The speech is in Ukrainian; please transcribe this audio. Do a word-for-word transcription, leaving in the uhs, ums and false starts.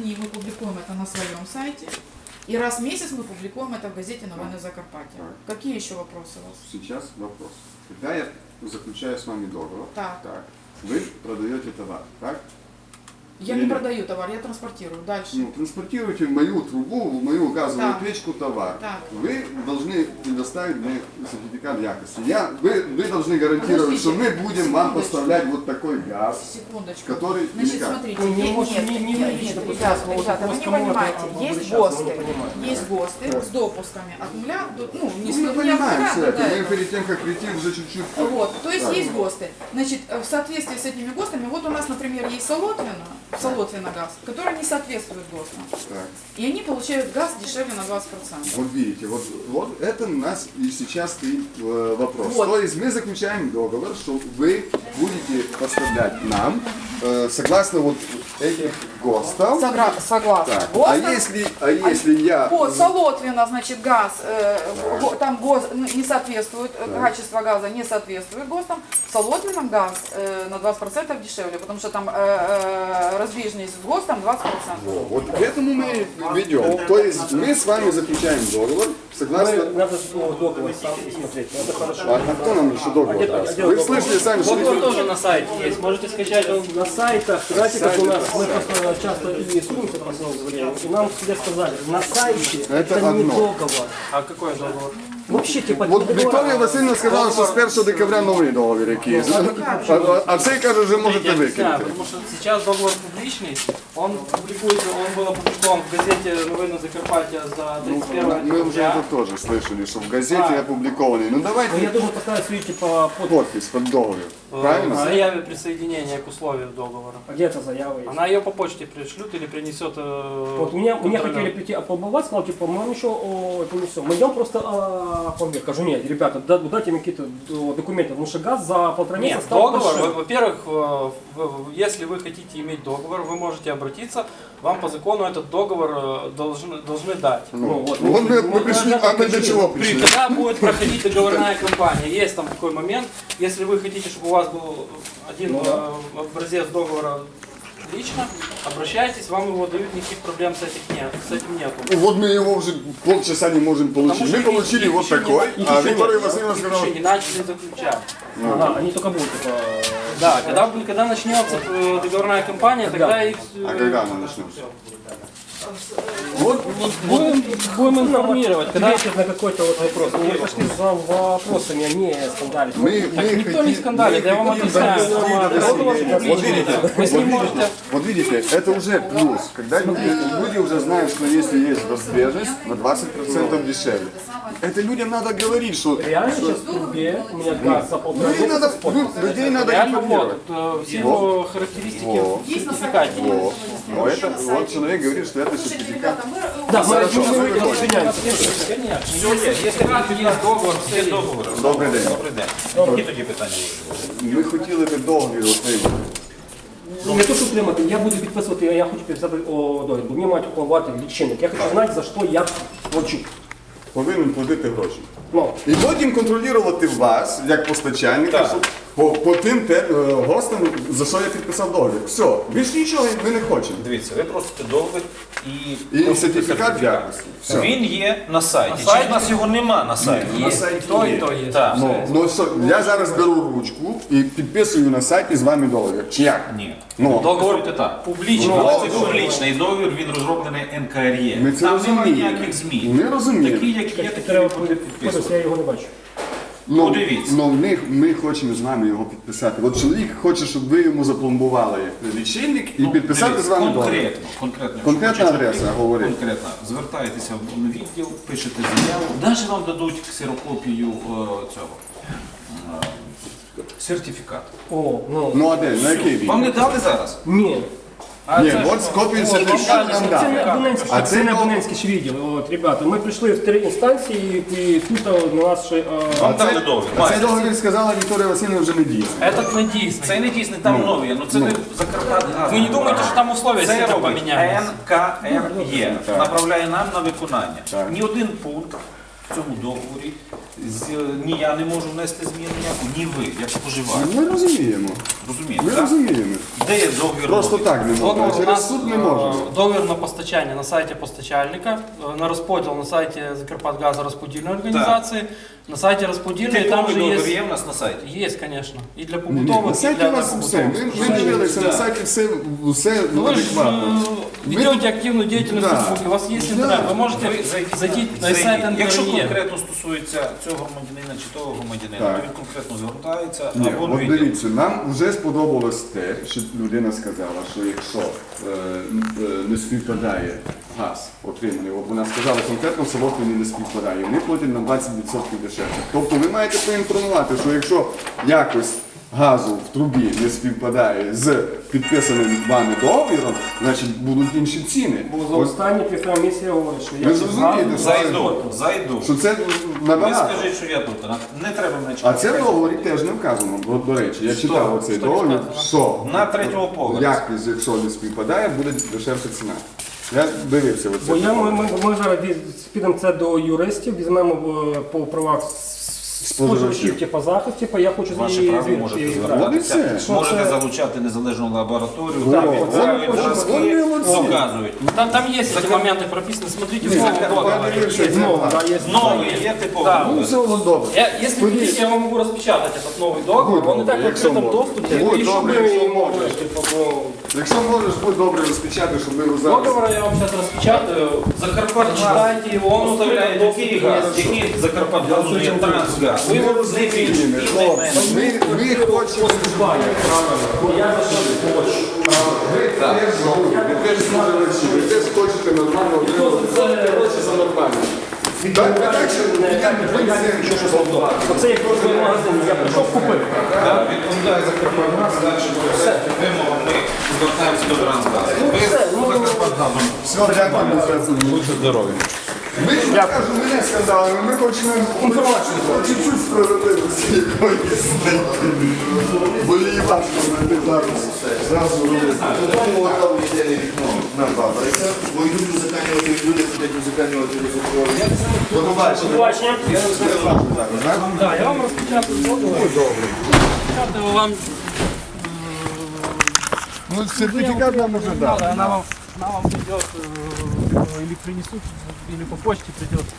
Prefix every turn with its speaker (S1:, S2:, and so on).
S1: дней мы публикуем это на своем сайте. И раз в месяц мы публикуем это в газете «Новини Закарпаття». Какие еще вопросы у вас?
S2: Сейчас вопрос. Когда я заключаю с вами договор,
S1: Так.
S2: так, вы продаете товар, так?
S1: Я
S2: Или
S1: не
S2: нет?
S1: продаю товар, я транспортирую. Дальше.
S2: Ну, транспортируете в мою трубу, в мою газовую
S1: Так.
S2: печку товар.
S1: Так.
S2: Вы должны предоставить мне сертификат якости. Я, вы, вы должны гарантировать,
S1: Подождите,
S2: что мы будем вам
S1: секундочку.
S2: поставлять вот такой газ,
S1: Секундочку.
S2: который
S1: Значит,
S2: никак.
S1: смотрите,
S3: Ну, не
S1: е-
S3: может,
S1: нет,
S3: не- не
S1: нет,
S3: юридично
S1: нет,
S3: допустим,
S1: ребята,
S3: вот
S1: ребята, вы не
S3: кому-то
S1: понимаете,
S3: это
S1: есть
S3: обращаться, мы
S1: ГОСТы,
S3: не понимаем.
S1: есть ГОСТы с допусками от нуля до, ну, не с
S2: Мы
S1: нуля
S2: понимаем
S1: до
S2: все
S1: нуля,
S2: это.
S1: до
S2: Мы
S1: этого.
S2: перед тем, как прийти, уже чуть-чуть...
S1: Вот, то есть
S2: Так.
S1: есть ГОСТы. Значит, в соответствии с этими ГОСТами, вот у нас, например, есть Солотвино, Солотвино газ, который не соответствует ГОСТам.
S2: Так.
S1: И они получают газ дешевле на двадцать процентов.
S2: Вот видите, вот, вот это у нас и сейчас стоит э, вопрос.
S1: Вот.
S2: То есть мы заключаем договор, что вы будете поставлять нам э, согласно вот этих ГОСТов.
S1: Согра- Согласно
S2: Так, а
S1: ГОСТам.
S2: если, а если я...
S1: По Солотвино, значит, газ, э, го- там ГОС ну, не соответствует, э, качество газа не соответствует ГОСТам. В Солотвином газ э, на двадцать процентов дешевле, потому что там э, э, разбежность с ГОСТом двадцать процентов.
S2: Вот к этому мы ведем. То есть мы с вами заключаем договор, согласно...
S3: Мы- Надо ну, договор сам смотреть, это хорошо.
S2: А, а кто нам еще договор
S3: где-
S2: даст?
S3: а где
S2: Вы
S3: договор?
S2: слышали сами, что...
S4: Договор тоже на сайте есть, можете скачать. Он
S3: На сайтах, знаете, как у нас, мы просто часто интересуемся по последнему времени, и нам всегда сказали, на сайте
S2: Это
S3: это, не
S2: одно.
S3: договор.
S4: А какой договор?
S3: Вообще, типа,
S2: Вот
S3: договора.
S2: Вікторія Васильівна сказала, що з першого декабря новий договір якийсь. А, а, а цей каже, вже можете
S4: Я объясняю,
S2: викинути.
S4: потому что сейчас договор публичный, он публикуется, он был опубликован в газете «Новини Закарпаття» за тридцать первое
S2: Мы уже
S4: декабря.
S2: это тоже слышали, что в газете опубликованный. Ну
S3: Ну, я
S2: давайте
S3: должен поставить, свою, типа, подпись.
S2: подпись под договор.
S4: В
S2: Правильно?
S4: заяве присоединения к условию договора.
S3: А где эта заява есть?
S4: Она ее по почте пришлют или принесет. э,
S3: Вот меня, меня
S4: контролер.
S3: хотели прийти опломбовать, сказал, типа, мы еще о, это не все. Мы идем просто а, помер. Кажу, нет, ребята, да- дайте мне какие-то э, документы, потому что газ за полтора месяца
S4: Нет,
S3: стал
S4: договор,
S3: дешевле.
S4: во- во-первых, э, в- в- если вы хотите иметь договор, вы можете обратиться, вам по закону этот договор э, должны, должны дать.
S3: Ну, вот,
S2: Вот мы, мы пришли, а мы для чего
S4: При-
S2: пришли?
S4: Когда будет проходить договорная кампания, есть там такой момент, если вы хотите, чтобы у вас был один
S3: Ну да.
S4: э, образец договора лично, обращайтесь, вам его дают, никаких проблем с, этих нет, с этим нету.
S2: Вот мы его уже полчаса не можем получить.
S4: Потому
S2: Мы
S4: что
S2: получили
S4: их
S2: вот
S4: еще
S2: такой,
S4: не-
S2: а
S3: еще
S2: Виктория
S3: нет.
S2: Васильевна
S4: Их
S2: сказала...
S4: еще не начали заключать.
S3: Ага, они только будут, типа...
S4: Да, когда, когда начнется э, договорная кампания, тогда и...
S2: А когда она начнется?
S4: Вот, будем, будем информировать. Когда...
S3: Ответить на какой-то вот вопрос. Мы пошли за вопросами, а не скандалить.
S2: Мы,
S4: Так
S2: мы
S4: никто не
S2: хотим-
S4: скандалит,
S2: мы
S4: я вам
S2: хотим
S4: объясняю.
S2: донести до
S4: Договор
S2: населения. Вот
S4: публичный.
S2: видите,
S4: Вы с
S2: вот
S4: ним
S2: видите,
S4: можете...
S2: вот видите, это уже плюс. Когда люди, люди уже знают, что если есть разбежность, на двадцать процентов дешевле. Это людям надо говорить, что...
S3: Реально сейчас в трубе у меня газ за полтора
S2: Людей
S3: месяца
S2: надо,
S3: спорт.
S2: ну, людей надо
S4: Реально
S2: информировать.
S4: вот, э, все его характеристики
S2: Во.
S4: в сертификате.
S2: Во. Но это, вот человек говорит, что это
S1: Слушайте,
S2: сертификат.
S1: ребята, мы...
S3: Да, мы,
S2: Хорошо,
S3: мы, мы,
S2: вы
S3: мы
S2: выходите.
S3: извиняемся.
S4: Конечно.
S5: Якщо є договор, все договори.
S2: Добрий день.
S5: Добрий день. Які тоді питання є?
S2: Ми хотіли би договір отримати.
S3: Ну, не то, що отримати, я буду підписувати, я хочу підписати о, договір, бо мені мають оплувати лічильник. Я хочу знати, за що я плачу.
S2: Повинен платити гроші.
S3: Ну,
S2: І потім контролювати вас, як постачальника,
S5: Так.
S2: щоб по, по тим те, е, гостям, за що я підписав договір. Все, більш нічого ми не хочемо.
S5: Дивіться, ви просите договір і,
S2: І сертифікат якості. Все.
S5: він є на сайті. Чи
S4: сайті?
S5: в нас його нема на сайті?
S2: На сайті
S4: То
S2: є.
S4: і то є.
S5: Так.
S2: Ну, ну що, я зараз беру ручку і підписую на сайті з вами договір. Чи як?
S5: Ні.
S2: Ну,
S5: Договор так.
S4: Публічно.
S5: Але це публічний договір, він розроблений ен ка ер є.
S2: Ми це
S5: Там немає
S2: розуміємо.
S5: ніяких змін.
S2: Ми розуміємо.
S5: Такі, як є, такі
S3: треба
S5: ви будете
S3: подивитися,
S5: підписувати.
S3: я його не бачу.
S2: ну,
S5: подивіться.
S2: ну, в них, ми хочемо з вами його підписати. От чоловік хоче, щоб ви йому запломбували лічильник і
S5: Ну,
S2: підписати
S5: дивіться,
S2: з вами договір.
S5: конкретно, конкретно.
S2: Конкретна
S5: Якщо
S2: адреса,
S5: чоловік
S2: говорить.
S5: Конкретно. Звертаєтеся в відділ, пишете заяву. Навіть вам дадуть ксерокопію е, цього е, сертифікату.
S3: О, ну,
S2: Ну а де? На який він?
S5: Вам не дали зараз?
S3: ні.
S4: А
S2: Ні,
S4: це
S2: от
S4: що?
S2: копію
S4: О,
S2: сертифікату нам
S3: Це
S2: дали.
S3: не абонентський,
S2: А
S3: це
S2: це
S3: не
S2: договор-
S3: абонентський ж відділ. От, ребята, ми прийшли в три інстанції і тут на нас ще... а,
S5: Вам дали договір.
S2: А цей
S5: Маєте.
S2: договір сказала Вікторія Васильівна вже не дійсний.
S4: Этот не дійсний.
S5: Це не дійсний, там нові. Ну це ви Закарпатгаз.
S4: Ви не думаєте, що там условия
S5: Це
S4: сильно
S5: робить
S4: помінялися?
S5: ен ка ер є,
S2: Так.
S5: направляє нам на виконання.
S2: Так.
S5: Ні один пункт в цьому договорі з- ні я не можу внести зміну ніяку, ні ви, як споживач.
S2: Ми розуміємо.
S5: Розумієте?
S2: Ми
S5: так?
S2: розуміємо.
S5: Де є договір?
S2: Просто
S5: робіт?
S2: так не можна.
S4: Договор у
S2: Через
S4: нас,
S2: суд не
S4: е,
S2: можна.
S4: договір на постачання на сайті постачальника, е, на розподіл на сайті Закарпатгазу розподільної організації, на сайті розподільної там
S5: Типовий
S4: же
S5: договір
S4: є.
S5: є в нас на сайті?
S4: Є, звісно. І для
S2: Ні, ні,
S4: побутових,
S2: на
S4: і
S2: сайті
S4: для
S2: у вас все.
S4: непобутових.
S2: Ми, ми дивилися, на
S5: Да.
S2: сайті все, все
S4: Ну, вы же
S2: адекватно.
S4: э, ведете активную деятельность
S2: Да.
S4: в Фейсбуке, у вас есть
S2: Да.
S4: интернет, вы можете
S5: Ви зайдіть,
S4: зайти на
S5: зайдіть.
S4: сайт
S5: Якщо
S4: НКРЕ.
S5: конкретно стосується цього громадянина чи того громадянина,
S2: Так.
S5: то він конкретно звертається
S2: Ні,
S5: або
S2: от
S5: відділ.
S2: дивіться, нам вже сподобалось те, що людина сказала, що якщо е, е, не співпадає газ отриманий, от вона сказала конкретно, в Солотвині не співпадає, вони платять на двадцять відсотків дешевше. Тобто ви маєте поінформувати, що якщо якось газу в трубі не співпадає з підписаним вами договіром, значить будуть інші ціни.
S3: Бо за
S2: Ось,
S3: останні півтора місяця я говорю, що
S2: Ви
S3: я
S2: зрозумієте, що
S5: Зайду, зайду.
S2: що це
S5: Ви
S2: набагато.
S5: скажіть, що я тут. Не треба мене
S2: А
S5: чекати.
S2: це в договорі теж не вказано. Бо, до речі, я читав оцей
S4: Що
S2: договір,
S4: не вказано?
S2: що
S5: На третьому поверсі.
S2: як, якщо не співпадає, буде дешевша ціна. Я дивився
S3: Бо
S2: оце.
S3: я, ми, ми, ми зараз віз- підемо це до юристів, візьмемо е, по правах споживачів, типу захист, типу, я хочу
S5: Ваше
S3: її
S5: право
S3: звідти
S5: можете
S3: її
S2: От і
S5: звертатися.
S2: все.
S5: Можете
S3: Що це?
S5: залучати незалежну лабораторію,
S2: О,
S5: там
S2: це
S5: відбирають
S2: ми
S5: зразки,
S2: хочемо. Молодці.
S5: показують.
S4: Там, там есть эти моменты прописаны, смотрите в новом договоре.
S2: Подивився,
S4: Есть.
S2: це
S3: Знову,
S2: так.
S3: да, є
S5: Новий є типовий
S4: Да.
S2: Ну,
S5: договір.
S2: все воно добре.
S4: Я, если
S2: Ходіть.
S4: хотите, я вам могу распечатать этот новый договор. Он и так в
S2: Якщо
S4: открытом
S2: можна.
S4: доступе.
S2: Будь
S3: І щоб
S2: добре,
S3: ми
S2: якщо
S3: могли,
S2: можеш.
S3: типу, бо-
S2: Якщо можеш, будь добре розпечати, щоб ми зараз...
S4: Договор я вам сейчас распечатаю. Закарпат, читайте его, он
S5: Он
S4: уставляет
S5: уставляє який газ, який Закарпатгазу є трансгаз. Ви його з ним
S2: Хлопці, ми, ми хочемо...
S3: Я за що хочу.
S2: Ви теж добрі, ви теж споживачі, ви теж хочете нормально отримати гроші за нормально. Так, так, що йдемо, ви все, що було.
S3: Оце як кожен магазин, я прийшов купив.
S5: Так, відповідає Закарпатгаз, далі по всяким вимогам ми звертаємося до трансгазу. Ви з Закарпатгазом.
S2: Все, дякую за
S5: Будьте здорові.
S2: Ми не кажемо, ми не скандали, ми хочемо інформацію, чуть-чуть справедливості якоїсь знайти. Бо її важко знайти зараз. Зразу робити.
S6: Тому там єдине вікно на бабариця, бо йдуть музикальні, люди ходять музикальні розговорення. До побачення.
S3: Побачення.
S6: Я не знаю, так?
S4: Да, я вам распечатаю договор. Распечатаю вам.
S2: Ну, сертифікат нам уже дали.
S4: Она вам, она вам придет э, или принесут, или по почте придет